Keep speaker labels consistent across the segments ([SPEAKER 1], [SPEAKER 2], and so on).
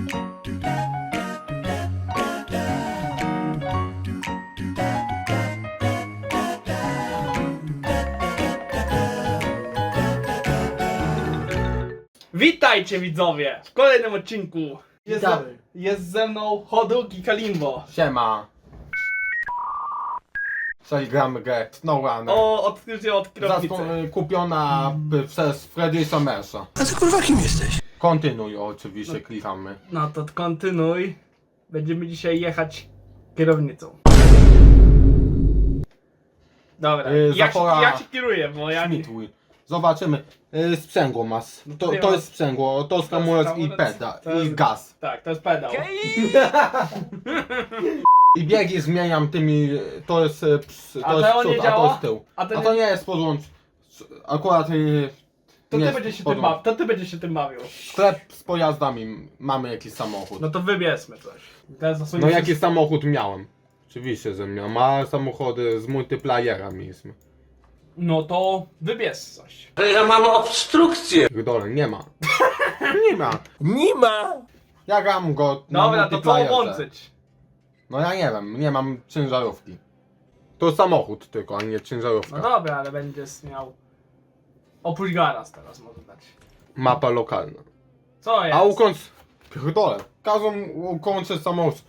[SPEAKER 1] Witajcie widzowie w kolejnym odcinku.
[SPEAKER 2] Witamy.
[SPEAKER 1] Jest ze mną Hoduk i Kalimbo.
[SPEAKER 2] Siema. Dzisiaj gramy grę SnowRunner.
[SPEAKER 1] Odkrycie od kierownicy.
[SPEAKER 2] Kupiona przez Freddy Somersa.
[SPEAKER 3] A ty kurwa kim jesteś?
[SPEAKER 2] Kontynuuj oczywiście, klikamy.
[SPEAKER 1] No to kontynuuj. Będziemy dzisiaj jechać kierownicą. Dobra, jak się kieruję, bo ja nie...
[SPEAKER 2] Śmituj. Zobaczymy. Sprzęgło masz.
[SPEAKER 1] No
[SPEAKER 2] To,
[SPEAKER 1] nie
[SPEAKER 2] to
[SPEAKER 1] ma-
[SPEAKER 2] jest sprzęgło, to jest
[SPEAKER 1] to jest
[SPEAKER 2] hamulec i
[SPEAKER 1] hamulec,
[SPEAKER 2] peda,
[SPEAKER 1] to jest-
[SPEAKER 2] i gaz.
[SPEAKER 1] Tak, to jest pedał.
[SPEAKER 2] I biegi zmieniam tymi, to jest
[SPEAKER 1] A
[SPEAKER 2] to jest
[SPEAKER 1] to nie
[SPEAKER 2] przód, a to
[SPEAKER 1] działa?
[SPEAKER 2] jest tył.
[SPEAKER 1] A to
[SPEAKER 2] A
[SPEAKER 1] nie-
[SPEAKER 2] to nie jest podłącz. Akurat
[SPEAKER 1] To
[SPEAKER 2] nie
[SPEAKER 1] ty
[SPEAKER 2] jest
[SPEAKER 1] będziesz się tym
[SPEAKER 2] podłącz.
[SPEAKER 1] bawił. To ty będziesz się tym bawił.
[SPEAKER 2] Sklep z pojazdami, mamy jakiś samochód.
[SPEAKER 1] No to wybierzmy coś. Teraz
[SPEAKER 2] No
[SPEAKER 1] zasuniesz
[SPEAKER 2] jaki samochód miałem? Oczywiście, że miałem, a samochody z multiplayera mieliśmy.
[SPEAKER 1] No to wybierz coś.
[SPEAKER 3] Ja mam obstrukcję.
[SPEAKER 2] Dole nie ma. Nie ma.
[SPEAKER 3] Nie ma.
[SPEAKER 2] Ja gram go na
[SPEAKER 1] Dobra, to co
[SPEAKER 2] multiplayerze.
[SPEAKER 1] łączyć?
[SPEAKER 2] No ja nie wiem, nie mam ciężarówki. To samochód tylko, a nie ciężarówka.
[SPEAKER 1] No dobra, ale będziesz miał... Oprócz garaz teraz może dać.
[SPEAKER 2] Mapa lokalna.
[SPEAKER 1] Co jest?
[SPEAKER 2] A ukończ... Pierdolę. Każą ukończyć samochód.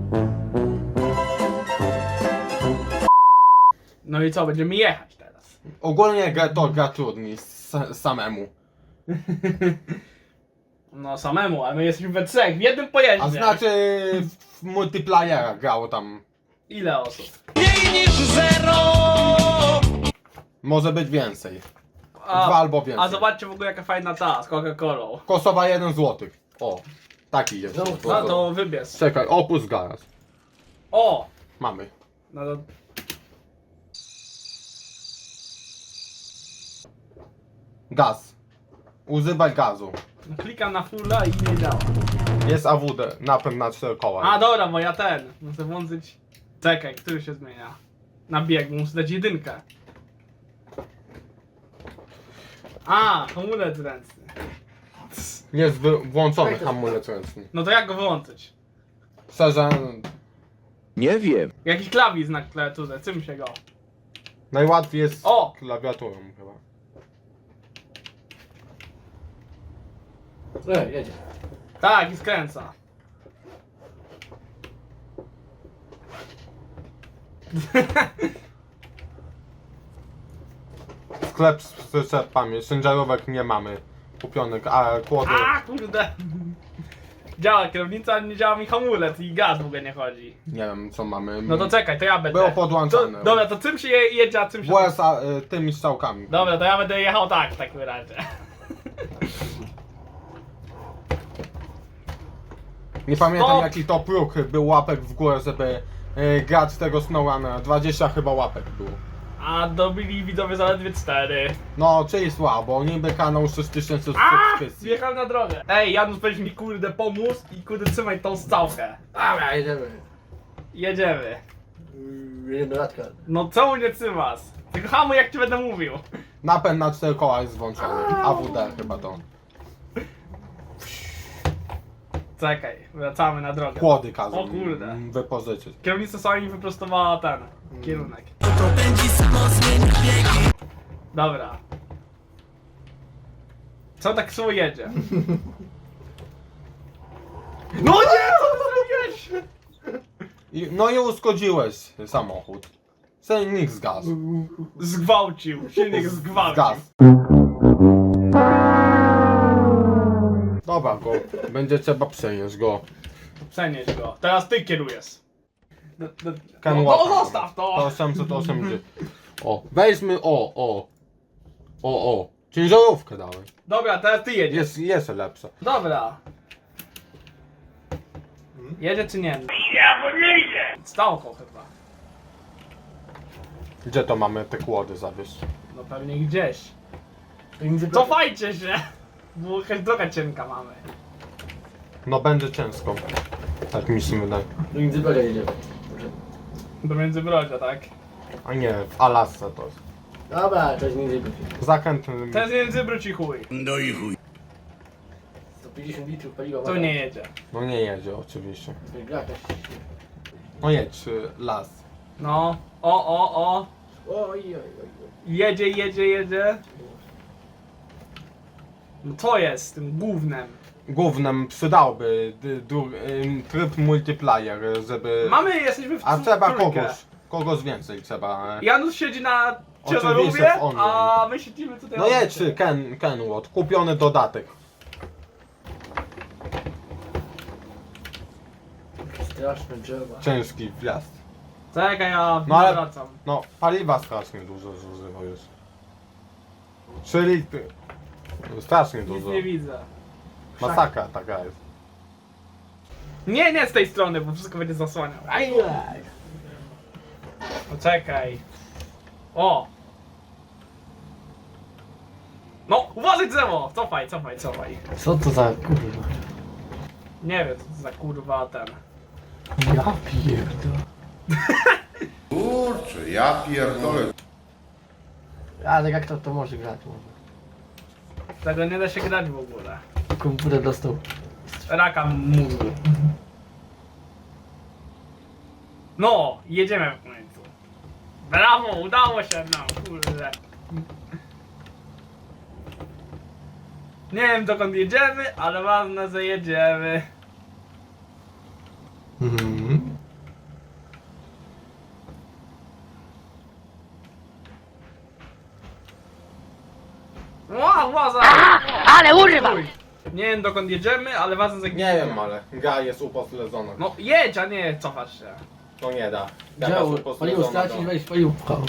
[SPEAKER 1] No i co, będziemy jechać teraz.
[SPEAKER 2] Ogólnie gra trudniej samemu.
[SPEAKER 1] No samemu, ale my jesteśmy we trzech, w jednym pojeździe.
[SPEAKER 2] A znaczy w multiplayera grało tam.
[SPEAKER 1] Ile osób?
[SPEAKER 2] Może być więcej.
[SPEAKER 1] A,
[SPEAKER 2] Dwa albo więcej.
[SPEAKER 1] a zobaczcie w ogóle jaka fajna ta z Coca-Colą.
[SPEAKER 2] Kosowa 1 zł. O, taki jest.
[SPEAKER 1] No to wybierz.
[SPEAKER 2] Czekaj, opus garaż.
[SPEAKER 1] O!
[SPEAKER 2] Mamy.
[SPEAKER 1] No to...
[SPEAKER 2] Gaz. Używaj gazu.
[SPEAKER 1] No klikam na fulla i nie działa.
[SPEAKER 2] Jest AWD, napęd na 4 koła.
[SPEAKER 1] A dobra, bo ja muszę włączyć... Czekaj, który się zmienia? Na bieg, muszę dać jedynkę. A, hamulec ręczny.
[SPEAKER 2] Jest włączony hamulec ręczny.
[SPEAKER 1] No to jak go wyłączyć?
[SPEAKER 2] Szczerze,
[SPEAKER 3] Nie wiem.
[SPEAKER 1] Jakiś klawisz na klawiaturze, czym się go?
[SPEAKER 2] najłatwiej jest
[SPEAKER 1] O!
[SPEAKER 2] klawiaturą chyba.
[SPEAKER 3] Jedzie.
[SPEAKER 1] Tak, i skręca.
[SPEAKER 2] Sklep z przyczepami, ciężarówek nie mamy kupionych, a kłody...
[SPEAKER 1] A kurde! Działa kierownica, ale nie działa mi hamulec i gaz w ogóle nie chodzi.
[SPEAKER 2] Nie wiem co mamy.
[SPEAKER 1] No to czekaj, to ja będę.
[SPEAKER 2] Było podłączone.
[SPEAKER 1] Dobra, to czym się jedzie, a czym się...
[SPEAKER 2] WSA tymi strzałkami.
[SPEAKER 1] Dobra, to ja będę jechał tak w takim razie.
[SPEAKER 2] Nie pamiętam
[SPEAKER 1] Stop!
[SPEAKER 2] jaki to próg był łapek w górę, żeby grać tego SnowRunnera. 20 chyba łapek było.
[SPEAKER 1] A dobili widzowie zaledwie 4.
[SPEAKER 2] No, czyli słabo, niby kanał 6000
[SPEAKER 1] A!
[SPEAKER 2] subskrypcji.
[SPEAKER 1] Zjechałem na drogę. Ej, Janusz, weź mi kurde pomóż i kurde trzymaj tą strzałkę.
[SPEAKER 3] Dobra, jedziemy.
[SPEAKER 1] Jedziemy.
[SPEAKER 3] Jedziemy do Radka.
[SPEAKER 1] No czemu nie trzymasz? Tylko hamuj jak ci będę mówił.
[SPEAKER 2] Napęd na 4 koła jest włączony. AWD chyba to.
[SPEAKER 1] Czekaj, wracamy na drogę.
[SPEAKER 2] Kłody kazą
[SPEAKER 1] O kurde.
[SPEAKER 2] wypożyczyć.
[SPEAKER 1] Kierownica sama mi wyprostowała ten kierunek. Dobra. Co tak słowo jedzie? No nie! Co ty zrobiłeś?
[SPEAKER 2] No i uszkodziłeś samochód. Silnik zgasł.
[SPEAKER 1] Zgwałcił. Silnik zgwałcił.
[SPEAKER 2] Gaz. Dobra, go. Będzie trzeba przenieść go.
[SPEAKER 1] Przenieś go. Teraz ty kierujesz.
[SPEAKER 2] Can
[SPEAKER 1] No
[SPEAKER 2] walk.
[SPEAKER 1] zostaw
[SPEAKER 2] To
[SPEAKER 1] to!
[SPEAKER 2] 880. O, weźmy o. Ciężarówkę dałem.
[SPEAKER 1] Dobra, teraz ty jedziesz.
[SPEAKER 2] Jest lepsza.
[SPEAKER 1] Dobra. Jedzie czy nie? Ja nie idzie! Stałko chyba.
[SPEAKER 2] Gdzie to mamy te kłody zawieźć?
[SPEAKER 1] No pewnie gdzieś. Cofajcie się! Bo jakaś droga cienka mamy.
[SPEAKER 2] No będzie ciężko. Tak mi się wydaje.
[SPEAKER 3] Do Międzybrzeża jedziemy.
[SPEAKER 1] Do Międzybrodzia, tak?
[SPEAKER 2] A nie, w Alasce to jest.
[SPEAKER 3] Dobra, to jest Międzybrzeża.
[SPEAKER 2] Zakręt...
[SPEAKER 1] To jest Międzybródź i chuj.
[SPEAKER 3] No i chuj. 150 50 litrów paliwa.
[SPEAKER 1] Tu nie jedzie.
[SPEAKER 2] No nie jedzie oczywiście.
[SPEAKER 3] Gra jakaś.
[SPEAKER 2] No jedź, las.
[SPEAKER 1] No. O.
[SPEAKER 3] Oj.
[SPEAKER 1] Jedzie. No to jest z tym gównem.
[SPEAKER 2] Głównym przydałby tryb multiplayer, żeby...
[SPEAKER 1] Jesteśmy w
[SPEAKER 2] A trzeba
[SPEAKER 1] trójkę.
[SPEAKER 2] kogoś więcej trzeba.
[SPEAKER 1] Janusz siedzi na
[SPEAKER 2] Oczywiście
[SPEAKER 1] ciężarówce,
[SPEAKER 2] w online.
[SPEAKER 1] a my siedzimy tutaj.
[SPEAKER 2] No
[SPEAKER 1] obok
[SPEAKER 2] jedź,
[SPEAKER 1] siebie.
[SPEAKER 2] Kenwood, kupiony dodatek.
[SPEAKER 3] Straszne drzewa.
[SPEAKER 2] Ciężki wjazd.
[SPEAKER 1] Czekaj, ja
[SPEAKER 2] No ale-
[SPEAKER 1] wracam.
[SPEAKER 2] No, paliwa strasznie dużo zużywa już. 3 litry. Strasznie
[SPEAKER 1] Nic
[SPEAKER 2] dużo.
[SPEAKER 1] nie widzę.
[SPEAKER 2] Masakra taka jest.
[SPEAKER 1] Nie z tej strony, bo wszystko będzie zasłaniał.
[SPEAKER 3] Ajaj.
[SPEAKER 1] Poczekaj. O! No, uważaj drzewo! Cofaj.
[SPEAKER 3] Co to za kurwa?
[SPEAKER 1] Nie wiem, co to za kurwa ten.
[SPEAKER 3] Ja pierdolę.
[SPEAKER 4] Kurczę, ja pierdolę.
[SPEAKER 3] Ale jak to może grać?
[SPEAKER 1] Tego nie da się grać w ogóle.
[SPEAKER 3] Komputer dostał.
[SPEAKER 1] Raka mózgu. No, jedziemy w końcu. Brawo, udało się nam, kurde. Nie wiem dokąd jedziemy, ale ważne, że jedziemy. Łaza!
[SPEAKER 5] Ale używam!
[SPEAKER 1] Nie wiem dokąd jedziemy, ale ważne, że
[SPEAKER 2] Nie wiem, ale gra jest upośledzona.
[SPEAKER 1] No jedź, a nie cofasz się.
[SPEAKER 2] To nie da. Gra
[SPEAKER 3] Działo,
[SPEAKER 2] jest
[SPEAKER 3] paliwo
[SPEAKER 2] upośledzona.
[SPEAKER 3] stracić, weź paliwo pchał.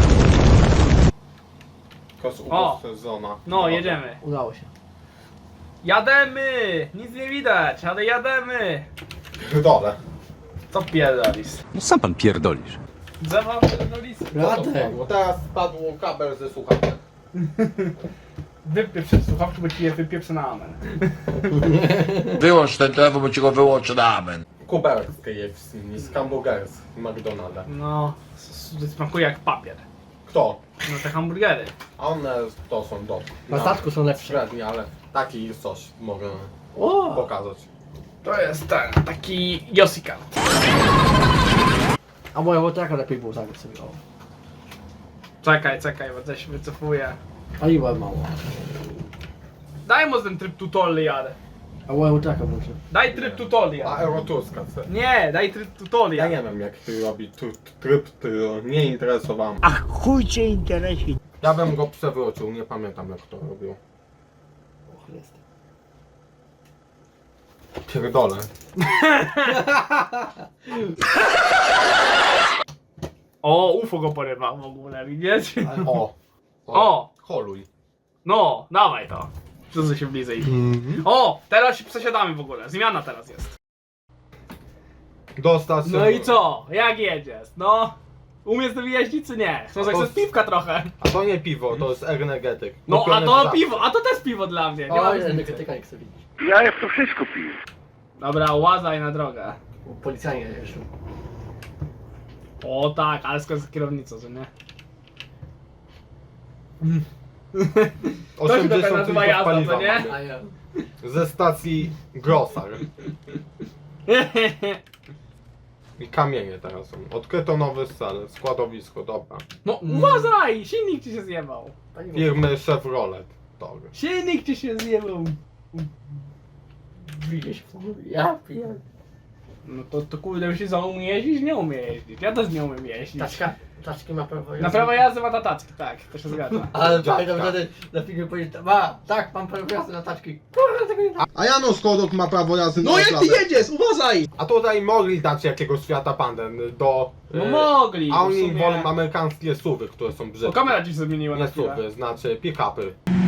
[SPEAKER 2] Jest
[SPEAKER 1] O!
[SPEAKER 2] upośledzona.
[SPEAKER 1] No, jedziemy.
[SPEAKER 3] Udało się.
[SPEAKER 1] Jademy! Nic nie widać, ale jademy!
[SPEAKER 2] Dole.
[SPEAKER 1] Co pierdolisz?
[SPEAKER 6] No sam pan pierdolisz.
[SPEAKER 1] Drzewa pierdolisz?
[SPEAKER 3] Radek.
[SPEAKER 2] Bo teraz spadł kabel ze słuchawek.
[SPEAKER 1] Wypieprz słuchawki, bo ci je wypieprzę na amen.
[SPEAKER 4] Wyłącz ten telefon, bo ci go wyłączę na amen.
[SPEAKER 2] Kuberek z KFC, z hamburgers McDonalda.
[SPEAKER 1] No, smakuje jak papier.
[SPEAKER 2] Kto?
[SPEAKER 1] No te hamburgery.
[SPEAKER 2] A one to są dobre.
[SPEAKER 3] Na statku są lepsze.
[SPEAKER 2] Średnie, ale taki coś mogę
[SPEAKER 3] O!
[SPEAKER 2] pokazać.
[SPEAKER 1] To jest ten, taki Josika.
[SPEAKER 3] A moja łotraka lepiej było zagrać sobie. O.
[SPEAKER 1] Czekaj, bo coś się wycofuje.
[SPEAKER 3] Paliwa mało.
[SPEAKER 1] Daj mu ten tryb tutorial.
[SPEAKER 3] A moja łotraka może.
[SPEAKER 1] Daj tryb
[SPEAKER 2] A
[SPEAKER 1] tutorial.
[SPEAKER 2] Eurotuska chce.
[SPEAKER 1] Nie, daj tryb
[SPEAKER 2] Ja
[SPEAKER 1] tutorial.
[SPEAKER 2] nie wiem jak ty robi tryb, ty nie interesowałem.
[SPEAKER 5] Ach, chuj cię interesuje.
[SPEAKER 2] Ja bym go przewrócił, nie pamiętam jak to robił.
[SPEAKER 3] O chlest.
[SPEAKER 2] Pierdolę.
[SPEAKER 1] O, UFO go porywa w ogóle, widzisz?
[SPEAKER 2] O.
[SPEAKER 1] O.
[SPEAKER 2] Holuj.
[SPEAKER 1] No, dawaj to. Przyzwyczaj się bliżej. O, teraz się przesiadamy w ogóle. Zmiana teraz jest.
[SPEAKER 2] Dostać.
[SPEAKER 1] No i co? Jak jedziesz? No, umiesz tym jeździć czy nie? Chcesz jak
[SPEAKER 2] to-
[SPEAKER 1] chcesz piwka trochę?
[SPEAKER 2] A to nie piwo, to jest energetyk.
[SPEAKER 1] No, a
[SPEAKER 2] Kupione
[SPEAKER 1] to
[SPEAKER 2] w
[SPEAKER 1] piwo, a to też piwo dla mnie. Nie ma
[SPEAKER 3] O,
[SPEAKER 1] różnicy.
[SPEAKER 3] energetyka nie chcę widzieć.
[SPEAKER 4] Ja jak to wszystko piję.
[SPEAKER 1] Dobra, łazaj na drogę.
[SPEAKER 3] Policjanie jeszcze.
[SPEAKER 1] O tak, ale skąd kierownicą, że nie? To się trochę nazywa
[SPEAKER 2] litrów
[SPEAKER 1] jazda,
[SPEAKER 2] paliwa
[SPEAKER 1] co nie?
[SPEAKER 2] mamy.
[SPEAKER 3] A ja.
[SPEAKER 2] Ze stacji Grossar. I kamienie teraz są. Odkryto nowy cel, składowisko, dobra.
[SPEAKER 1] No uważaj! Silnik ci się zjebał.
[SPEAKER 3] Paliwo.
[SPEAKER 2] Firmy Chevrolet. Dobra.
[SPEAKER 1] Silnik ci się zjebał.
[SPEAKER 3] Bije się w tym. Ja pierdolę.
[SPEAKER 1] No to kurde, myślisz, że on umie jeździć? Nie umie jeździć. Ja też nie umiem jeździć.
[SPEAKER 3] Taczki ma prawo jazdy.
[SPEAKER 1] Na prawo jazdy ma tataczki, tak, to się zgadza.
[SPEAKER 3] Ale
[SPEAKER 2] Dziadka.
[SPEAKER 3] pamiętam wtedy na filmie powiedzieć, tak, mam prawo jazdy na taczki. Kurwa, tego nie da.
[SPEAKER 2] A Janusz Kodok ma prawo jazdy
[SPEAKER 7] No jak ty jedziesz, uważaj!
[SPEAKER 2] A tutaj mogli dać jakiegoś świata pandę do...
[SPEAKER 1] No mogli.
[SPEAKER 2] A
[SPEAKER 1] w
[SPEAKER 2] oni
[SPEAKER 1] sumie-
[SPEAKER 2] wolą amerykańskie SUVy, które są
[SPEAKER 1] O,
[SPEAKER 2] brzydkie.
[SPEAKER 1] kamera ci się zmieniła na
[SPEAKER 2] Nie
[SPEAKER 1] chwilę.
[SPEAKER 2] SUVy, znaczy pick-upy.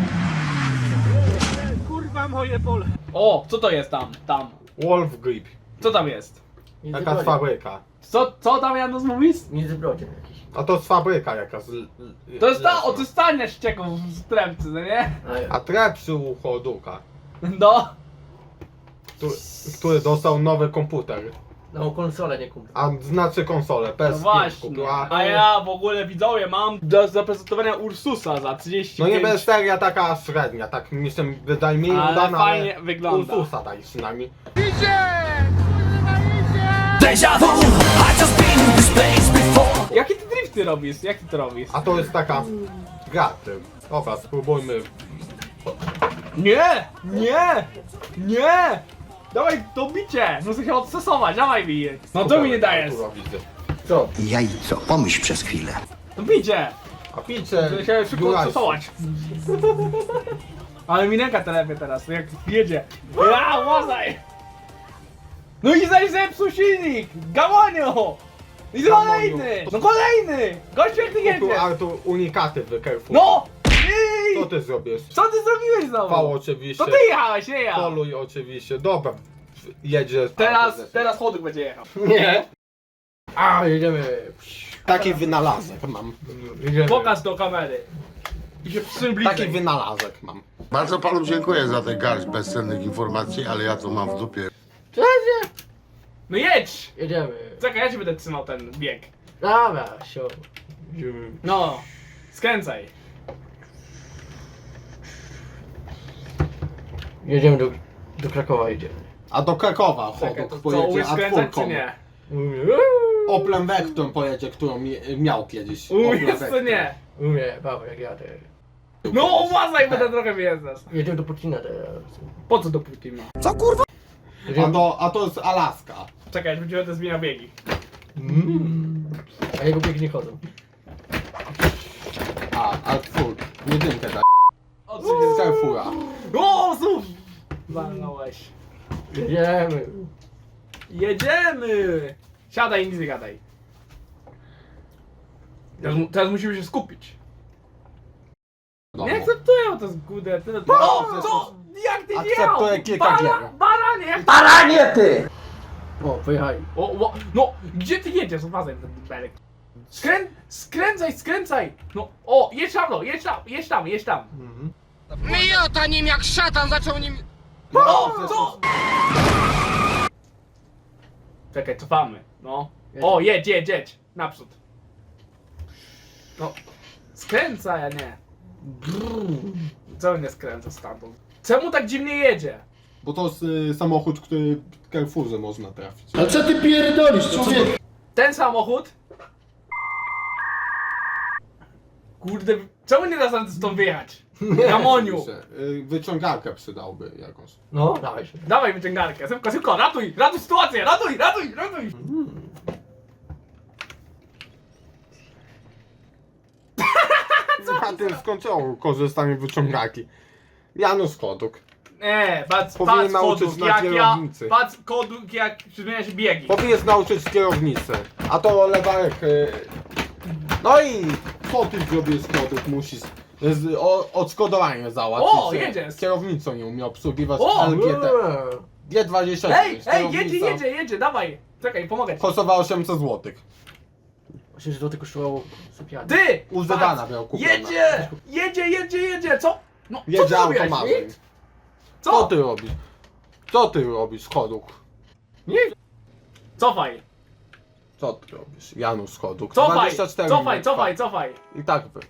[SPEAKER 7] Kurwa moje pole.
[SPEAKER 1] O, co to jest tam? Tam.
[SPEAKER 2] Wolf Grip.
[SPEAKER 1] Co tam jest?
[SPEAKER 2] Jakaś fabryka.
[SPEAKER 1] Co tam Janusz mówisz?
[SPEAKER 3] Międzybrodzie jakiś.
[SPEAKER 2] A to jest fabryka jakaś.
[SPEAKER 1] To jest
[SPEAKER 2] lesna.
[SPEAKER 1] to jest stanie ścieków z tremcy, no nie?
[SPEAKER 3] A ja.
[SPEAKER 2] A trepsy u Horduka,
[SPEAKER 1] No.
[SPEAKER 2] który dostał nowy komputer.
[SPEAKER 3] No konsolę nie kupił.
[SPEAKER 2] A znaczy konsolę,
[SPEAKER 1] No
[SPEAKER 2] PS5
[SPEAKER 1] właśnie.
[SPEAKER 2] kupiła.
[SPEAKER 1] A ja w ogóle widzowie mam do zaprezentowania Ursusa za 35.
[SPEAKER 2] No nie będzie seria taka średnia, tak mi się wydaje mniej
[SPEAKER 1] Ale
[SPEAKER 2] udana,
[SPEAKER 1] fajnie wygląda.
[SPEAKER 2] Ursusa daj przynajmniej.
[SPEAKER 1] Jakie ty drifty robisz? Jak ty to robisz?
[SPEAKER 2] A to jest taka gra tym. Dobra, spróbujmy.
[SPEAKER 1] Nie! Nie! Nie! Dawaj to bicie! Muszę się odstosować, dawaj mi je. No to mi nie dajesz.
[SPEAKER 2] Kurwa, widzę.
[SPEAKER 3] Co?
[SPEAKER 6] Jajco, pomyśl przez chwilę.
[SPEAKER 1] To bicie!
[SPEAKER 2] A picie,
[SPEAKER 1] Muszę się szybko
[SPEAKER 2] Jurajski.
[SPEAKER 1] odstosować. Ale mi ręka telepie teraz, jak jedzie. Ja, uważaj! No i zaś zepsuł silnik! Gamoniu! I kolejny! No kolejny! Gościu jak ty
[SPEAKER 2] Tu
[SPEAKER 1] jedziesz!
[SPEAKER 2] Artur unikaty w Carrefour.
[SPEAKER 1] No!
[SPEAKER 2] Co
[SPEAKER 1] Ej!
[SPEAKER 2] ty zrobisz?
[SPEAKER 1] Co ty zrobiłeś znowu?
[SPEAKER 2] V oczywiście.
[SPEAKER 1] To ty jechałeś, nie ja!
[SPEAKER 2] Poluj oczywiście. Dobra. Jedzie.
[SPEAKER 1] Teraz choduk będzie jechał.
[SPEAKER 3] Nie. A, jedziemy.
[SPEAKER 2] Taki wynalazek mam.
[SPEAKER 3] Jedziemy.
[SPEAKER 1] Pokaż do kamery. I się przybliżaj.
[SPEAKER 2] Taki wynalazek mam.
[SPEAKER 4] Bardzo panu dziękuję za tę garść bezcennych informacji, ale ja to mam w dupie.
[SPEAKER 3] Cześć.
[SPEAKER 1] No jedź!
[SPEAKER 3] Jedziemy.
[SPEAKER 1] Czekaj, ja ci będę trzymał ten bieg.
[SPEAKER 3] Dobra, sio. Jedziemy.
[SPEAKER 1] No, skręcaj.
[SPEAKER 3] Jedziemy do Krakowa idziemy.
[SPEAKER 2] A do Krakowa
[SPEAKER 1] Czekaj,
[SPEAKER 2] chodok
[SPEAKER 1] to co,
[SPEAKER 2] pojedzie
[SPEAKER 1] umiesz skręcać czy
[SPEAKER 2] A4.
[SPEAKER 1] nie?
[SPEAKER 2] Oplem Vectrum pojedzie, którą miał kiedyś.
[SPEAKER 1] Umiesz
[SPEAKER 2] Opel
[SPEAKER 1] czy
[SPEAKER 2] Vectrum.
[SPEAKER 1] nie?
[SPEAKER 3] Umie, baba, jak jadę.
[SPEAKER 1] No uważaj, będę trochę wyjeżdżać.
[SPEAKER 3] Jedziemy do Pucina teraz.
[SPEAKER 1] Po co do Putina?
[SPEAKER 3] Jedziemy...
[SPEAKER 2] A to jest Alaska.
[SPEAKER 1] Czekaj, będziemy zmieniał biegi.
[SPEAKER 3] A jego biegi nie chodzą.
[SPEAKER 2] A twór. Jedynkę daj.
[SPEAKER 1] Odsuń
[SPEAKER 2] Z Carrefoura.
[SPEAKER 1] O, znów! Walnąłeś.
[SPEAKER 3] Jedziemy.
[SPEAKER 1] Jedziemy! Siadaj i nic nie gadaj. Teraz musimy się skupić.
[SPEAKER 2] No.
[SPEAKER 1] Nie akceptuję, to jest gudę. No, co? Jak ty
[SPEAKER 2] Akceptuję
[SPEAKER 1] jechał?
[SPEAKER 2] kilka gier.
[SPEAKER 1] Baranie!
[SPEAKER 5] Baranie ty!
[SPEAKER 3] O, pojechali.
[SPEAKER 1] No, gdzie ty jedziesz? Uważaj na ten belek. Skręcaj! No, o, jedź tam, no, jedź tam.
[SPEAKER 5] Miota nim jak szatan zaczął nim...
[SPEAKER 1] No, co? Czekaj, cofamy, no. O, jedź, naprzód. No, skręcaj, a nie. Co nie skręca stamtąd? Czemu tak dziwnie jedzie?
[SPEAKER 2] Bo to jest samochód, który w Carrefourze można trafić.
[SPEAKER 7] A co ty pierdolisz, człowieku?
[SPEAKER 1] Ten samochód? Kurde, czemu nie da się stąd wyjechać? Gamoniu!
[SPEAKER 2] Wyciągarkę przydałby jakąś.
[SPEAKER 3] No, dawaj się.
[SPEAKER 1] Dawaj wyciągarkę, szybko, ratuj sytuację, ratuj!
[SPEAKER 2] Na tym skończyło korzystanie z wyciągarki. Janusz Koduk.
[SPEAKER 1] Nie, patrz
[SPEAKER 2] Powinien nauczyć
[SPEAKER 1] koduk,
[SPEAKER 2] na
[SPEAKER 1] jak
[SPEAKER 2] kierownicy.
[SPEAKER 1] patrz koduk, jak zmienia się biegi.
[SPEAKER 2] Powinien nauczyć kierownicę. A to lewarek. No i co ty zrobisz Koduk? Musisz odszkodowanie załatwić.
[SPEAKER 1] O, jedziesz.
[SPEAKER 2] Kierownicą nie umie obsługiwać
[SPEAKER 1] O,
[SPEAKER 2] LGT. G20.
[SPEAKER 1] Ej,
[SPEAKER 2] kierownica
[SPEAKER 1] jedzie, dawaj. Czekaj, pomogę ci.
[SPEAKER 2] Kosztowała 800 zł.
[SPEAKER 3] 8 zł kosztowało sypialnię.
[SPEAKER 1] Ty!
[SPEAKER 2] U
[SPEAKER 1] patrz,
[SPEAKER 2] Zedana miał kupione.
[SPEAKER 1] Jedzie, co? No, co
[SPEAKER 2] Jedzie
[SPEAKER 1] ty zrobiłeś?
[SPEAKER 2] automatem.
[SPEAKER 1] Nic?
[SPEAKER 2] Co
[SPEAKER 1] Co?
[SPEAKER 2] ty robisz? Co ty robisz, Koduk?
[SPEAKER 1] Cofaj,
[SPEAKER 2] Co ty robisz? Janusz Koduk. 24
[SPEAKER 1] cofaj.
[SPEAKER 2] I tak by.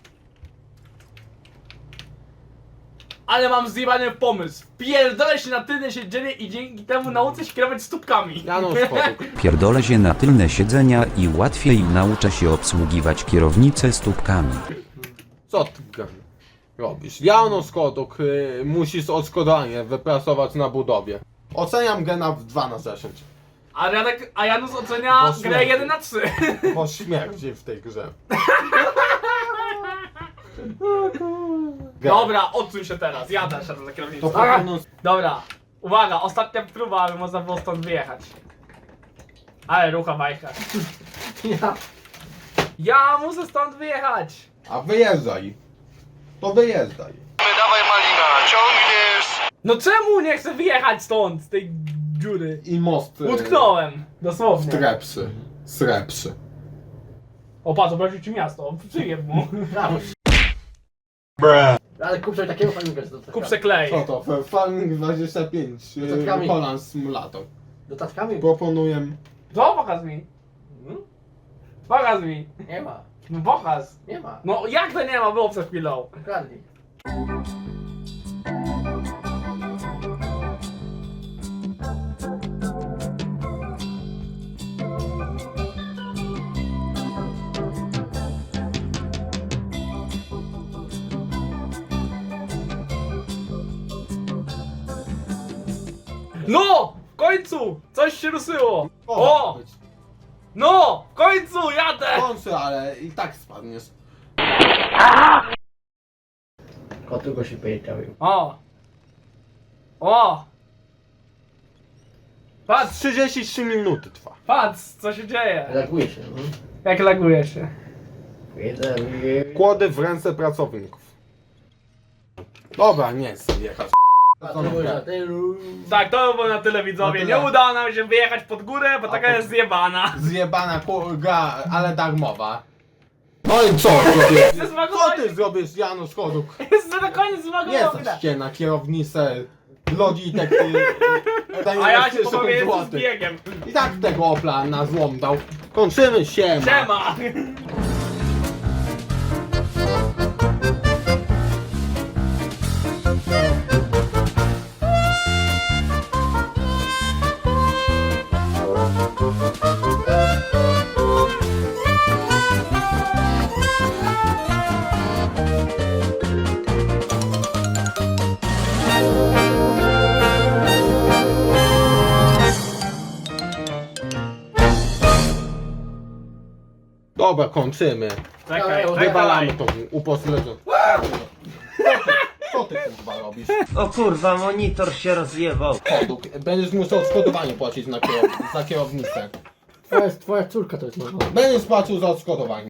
[SPEAKER 1] Ale mam zjebany pomysł. Pierdolę się na tylne siedzenie i dzięki temu nauczę się kierować stópkami.
[SPEAKER 2] Janusz Koduk.
[SPEAKER 8] Pierdolę się na tylne siedzenia i łatwiej nauczę się obsługiwać kierownicę stópkami.
[SPEAKER 2] Co ty robisz? Janusz Koduk, musisz odszkodowanie wypracować na budowie. Oceniam gena w 2 na 10.
[SPEAKER 1] A Janus ocenia
[SPEAKER 2] Bo
[SPEAKER 1] grę
[SPEAKER 2] śmierdzi.
[SPEAKER 1] 1 na 3.
[SPEAKER 2] Bo śmierdzi w tej grze.
[SPEAKER 1] Dobra, odsuń się teraz. Jadę się za
[SPEAKER 2] To
[SPEAKER 1] kierownicą.
[SPEAKER 2] powinno...
[SPEAKER 1] Dobra, uwaga, ostatnia próba, aby można było stąd wyjechać. Ale rucha bajka. Ja muszę stąd wyjechać.
[SPEAKER 2] A wyjeżdżaj. To wyjeżdżaj.
[SPEAKER 4] Dawaj Malina, ciągniesz!
[SPEAKER 1] No czemu nie chcę wyjechać stąd, z tej dziury?
[SPEAKER 2] I most...
[SPEAKER 1] Utknąłem, dosłownie.
[SPEAKER 2] Strepsy. Srepsy.
[SPEAKER 1] O patrz, obraził ci miasto, przyjeb mu.
[SPEAKER 3] Ale kup sobie takiego fajnego do tatkami.
[SPEAKER 1] Kup se klej.
[SPEAKER 2] Co to? Farming 25.
[SPEAKER 3] Dodatkami.
[SPEAKER 2] Holland Simulator.
[SPEAKER 3] Do tatkami?
[SPEAKER 2] Proponuję
[SPEAKER 1] To pokaż mi. Pokaż mi.
[SPEAKER 3] Nie ma.
[SPEAKER 1] No pokaż.
[SPEAKER 3] Nie ma.
[SPEAKER 1] No jak to nie ma, było przed chwilą.
[SPEAKER 3] Ukradli.
[SPEAKER 1] No! W końcu! Coś się ruszyło! O! No! W końcu jadę!
[SPEAKER 2] Kończy, ale i tak spadniesz.
[SPEAKER 3] Kotu go się powiedziały.
[SPEAKER 1] O! O! Patrz!
[SPEAKER 2] 33 minuty trwa.
[SPEAKER 1] Patrz, co się dzieje!
[SPEAKER 3] Laguje się, no.
[SPEAKER 1] Jak laguje się.
[SPEAKER 2] Kłody w ręce pracowników. Dobra, nie chcę jechać.
[SPEAKER 1] Tak, to było na tyle widzowie.
[SPEAKER 2] Na tyle.
[SPEAKER 1] Nie udało nam się wyjechać pod górę, bo taka jest zjebana.
[SPEAKER 2] Zjebana gra, ale darmowa. No i co zrobisz?
[SPEAKER 1] Jest
[SPEAKER 2] Co
[SPEAKER 1] zmagowanie.
[SPEAKER 2] ty zrobisz, Janusz Koduk?
[SPEAKER 1] Jest na koniec
[SPEAKER 2] Nie
[SPEAKER 1] zmagowane.
[SPEAKER 2] zaście na kierownicę Logitech
[SPEAKER 1] A ja się powiem z biegiem.
[SPEAKER 2] I tak tego Opla na złom dał. Kończymy, siema.
[SPEAKER 1] Siema!
[SPEAKER 2] Dobra, kończymy.
[SPEAKER 1] Czekaj,
[SPEAKER 2] Wywalamy
[SPEAKER 1] czekaj.
[SPEAKER 2] tą upośledzoną. Co ty kurwa robisz?
[SPEAKER 9] O kurwa, monitor się rozjebał.
[SPEAKER 2] Koduk, będziesz musiał odszkodowanie płacić za kierownicę.
[SPEAKER 3] Twoja córka to jest moja.
[SPEAKER 2] Będziesz płacił za odszkodowanie.